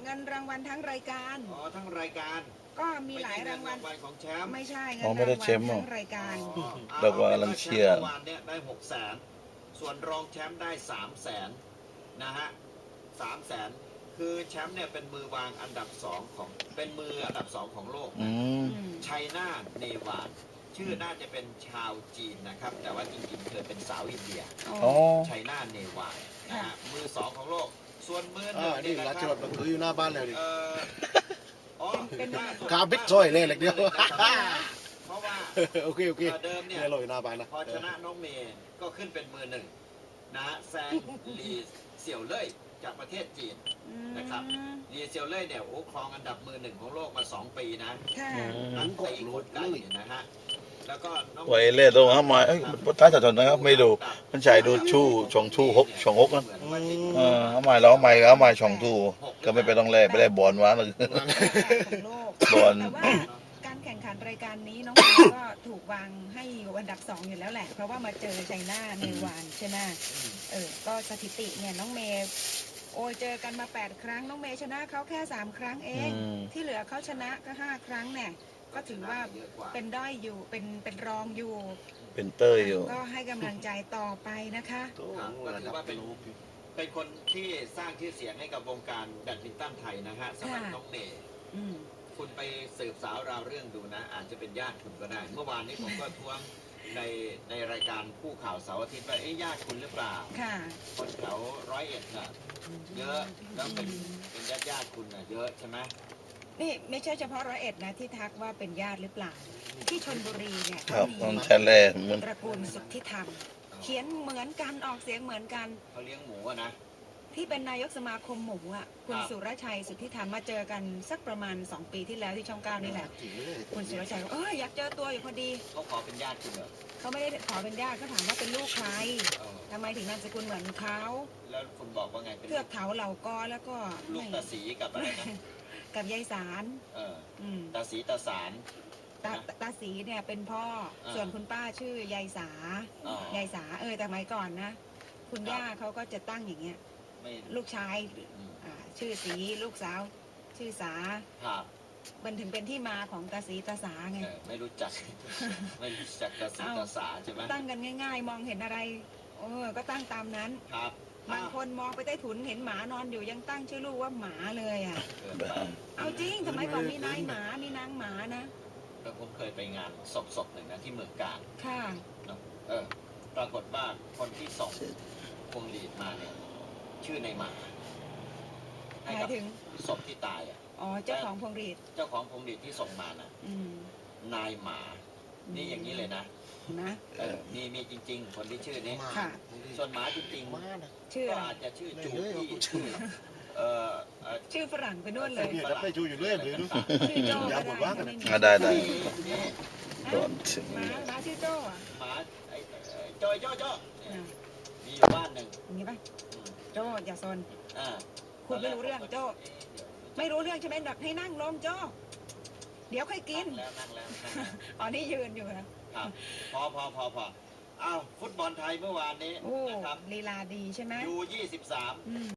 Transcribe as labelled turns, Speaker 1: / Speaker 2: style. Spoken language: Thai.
Speaker 1: เงินรางวัลทั้งรายการ
Speaker 2: อ๋อทั้งรายการ
Speaker 1: ก็มีหลายรางวัล
Speaker 2: ของแชมป์
Speaker 1: ไม่ใช่เงิน
Speaker 3: อ๋อ
Speaker 1: ราง
Speaker 3: ไม่ได้
Speaker 1: วัล
Speaker 3: แชมป์หรอ
Speaker 1: ทั้งรายการ
Speaker 3: เราก็กำลังเชียร์
Speaker 2: เมื่อวานเนี่ยได้600,000ส่วนรองแชมป์ได้300,000นะฮะ300,000คือแชมป์เนี่ยเป็นมือวางอันดับ2ของเป็นมืออันดับ2ของโลก
Speaker 3: อืม
Speaker 2: ไชน่าเนวาดชื่อน่าจะเป็นชาวจีนนะครับแต่ว่าจริงๆเธอเป็นสาวอินเดีย
Speaker 3: อ๋อ
Speaker 2: ไชน่าเนวาดนะฮะมือ2ของโลกส่วนมือหนึ่ง
Speaker 4: นี่
Speaker 2: นะ
Speaker 4: รา
Speaker 2: ค
Speaker 4: ช
Speaker 2: รั
Speaker 4: รถมันคืออยู่หน้าบ้านแล้วดิ
Speaker 2: อ๋อ
Speaker 4: คาบิดซอยเลยเหล็กเดียว
Speaker 2: เพราะว่า
Speaker 4: โอเค
Speaker 2: เดิมเนี่ย
Speaker 4: เนี่ยเราอยู่หน้าบ้านนะ
Speaker 2: พอชนะน้องเมย์ก็ขึ้นเป็นมือหนึ่งนะฮะแซงลีเสี่ยวเล่ยจากประเทศจีนนะครับลีเสี่ยวเล่ยเนี่ยโอ้ครองอันดับมือหนึ่งของโลกมา2 ปีนะ
Speaker 1: ค่ะ
Speaker 2: นักตีกดไก่เนี่ยนะฮะแล้วก็น้อง
Speaker 3: ไว้เล่ตรงเข้ามาเอ้ยท้ายจัดจนนะครับไม่ดูมันใช่ดูชู่ชงชู่ฮกชงฮกนะเอาใหม่แล้วเอาใหม่เอาใหม่ชงทูก็ไม่ไปต้องแลไปได้บอลวะเลย
Speaker 1: ของโลก
Speaker 3: บอล
Speaker 1: แต่ว่าการแข่งขันรายการนี้น้องเมย์ก็ถูกวางให้อยู่อันดับ2อยู่แล้วแหละเพราะว่ามาเจอไชน่าเนวานใช่ไหมก็สถิติเนี่ยน้องเมย์โอ้ยเจอกันมา8 ครั้งน้องเมย์ชนะเขาแค่3 ครั้งเอง ที่เหลือเขาชนะก็5 ครั้งเนี่ยก็ถือว่าเป็นด้อยอยู่เป็นรองอยู่
Speaker 3: เป็นเต้ยอยู่
Speaker 1: ก็ให้กำลังใจต่อไปนะคะ
Speaker 2: ครับก็ถือว่าเป็นคนที่สร้างชื่อเสียงให้กับวงการแบดมินตันไทยนะฮะสำหรับน้องเมย์
Speaker 1: อืม
Speaker 2: คุณไปสืบสาวราวเรื่องดูนะ อาจจะเป็นญาติคุณก็ได้ เมื่อวานนี้ผมก็ทวงในรายการคู่ข่าวเสาร์อาทิตย์ว่าญาติคุณหรือเปล่า
Speaker 1: ค่ะ
Speaker 2: คนแถว101น่ะเยอะแล้วเป็นญาติคุณน่ะเยอะใช่ไหม
Speaker 1: นี่ไม่ใช่เฉพาะ101นะที่ทักว่าเป็นญาติหรือเปล่า ที่ชลบุรีเนี่ย
Speaker 3: ครับ
Speaker 1: มี
Speaker 3: ต้องแชร์แลนมัน
Speaker 1: ตระกูลสุทธิธรรม เขียนเหมือนกันออกเสียงเหมือนกัน
Speaker 2: เขาเลี้ยงหมูอะนะ
Speaker 1: ที่เป็นนายกสมาคมหมูอ่ะคุณ
Speaker 2: ครับ
Speaker 1: สุรชัยสุทธิธรรมมาเจอกันสักประมาณ2 ปีที่แล้วที่ช่อง 9นี่แหละคุณสุรชัยบอกอยากเจอตัวอยู่พอดี
Speaker 2: เขาขอเป็นญาติคุณเหรอ
Speaker 1: เขาไม่ได้ขอเป็นญาติเขาถามว่าเป็นลูกใคร
Speaker 2: เออ
Speaker 1: ทำไมถึงนามสกุลเหมือนเขา
Speaker 2: แล้วคุณบอกว่าไงเป็น
Speaker 1: เทือกเขาเหล่ากอแล้วก็
Speaker 2: ลูกตาสีกับอะไรนะ
Speaker 1: กับยายสาร
Speaker 2: เออ
Speaker 1: อืม
Speaker 2: ตาสีตาสาร
Speaker 1: ตาสีเนี่ยเป็นพ่อ ส่วนคุณป้าชื่อยายสา
Speaker 2: อ๋อย
Speaker 1: ายสาแต่สมัยก่อนนะ คุณย่าเขาก็จะตั้งอย่างเงี้ย
Speaker 2: ไม่
Speaker 1: ลูกชาย
Speaker 2: อืม
Speaker 1: ชื่อสีลูกสาว ชื่อสา
Speaker 2: ครับ
Speaker 1: มันถึงเป็นที่มาของตาสีตาสาไง
Speaker 2: ไม่รู้จัก ไม่รู้จักตาสีตาสาใช่ไหม
Speaker 1: ตั้งกันง่าย ๆ มองเห็นอะไรก็ตั้งตามนั้น
Speaker 2: ครับ
Speaker 1: บางคนมองไปใต้ถุนเห็นหมานอนอยู่ยังตั้งชื่อลูกว่าหมาเลยอ่ะ
Speaker 2: เกินไป
Speaker 1: เอาจริงสมัยก่อนมีนายหมามีนางหมานะ
Speaker 2: แล้วผมเคยไปงานศพหนึ่งนะที่เมืองกาญ
Speaker 1: ค่ะ
Speaker 2: เนอะปรากฏว่าคนที่ส่งพวงหลีดมาเนี่ยชื่อในหมา
Speaker 1: ห
Speaker 2: ให้
Speaker 1: มาย
Speaker 2: กับ
Speaker 1: ถึง
Speaker 2: ศพที่ตายอ่ะ
Speaker 1: เจ้าของพวงหรีด
Speaker 2: เจ้าของพวงหลีดที่ส่งมาน่ะ
Speaker 1: อืม
Speaker 2: นายหมา นี่อย่างนี้เลยนะ
Speaker 1: นะ
Speaker 2: มีจริง ๆ คนที่ชื่อนี้
Speaker 1: ค่ะ
Speaker 2: ส่วนหมาจริง
Speaker 4: มานะ
Speaker 1: ชื่อ
Speaker 2: ๆก็
Speaker 1: อะไร
Speaker 2: อาจจะชื่อจูพี่ชื่อ
Speaker 1: ชื่อฝรั่งไปนู่นเลย
Speaker 4: เนี่ยรับได้ชูอยู่เรื่อยเลยดู
Speaker 1: ชื่อโจ้
Speaker 4: อย่า
Speaker 1: ก็
Speaker 4: บ่นว่ากัน
Speaker 1: ได้
Speaker 3: ได้
Speaker 2: นี่
Speaker 3: ก่อนถึง
Speaker 1: หมาชื่อโจ้อะ
Speaker 2: หมาจอยเนี่ย
Speaker 1: อ่ะ
Speaker 2: มีอยู่บ้านหนึ่ง
Speaker 1: อย่างนี้ป่ะ
Speaker 2: อืม
Speaker 1: โจ้อย่าซน
Speaker 2: อ่า
Speaker 1: คุณไม่รู้เรื่องโจ้ไม่รู้เรื่องใช่ไหมดักให้นั่งลงโจ้เดี๋ยวค่อยกิน
Speaker 2: นั่งแล้ว
Speaker 1: อ๋อนี่ยืนอยู่นะครับ
Speaker 2: พออ้าวฟุตบอลไทยเมื่อวานนี้
Speaker 1: โอ้
Speaker 2: นะครับ
Speaker 1: ลีลาดีใช่ไหม
Speaker 2: U23
Speaker 1: อืม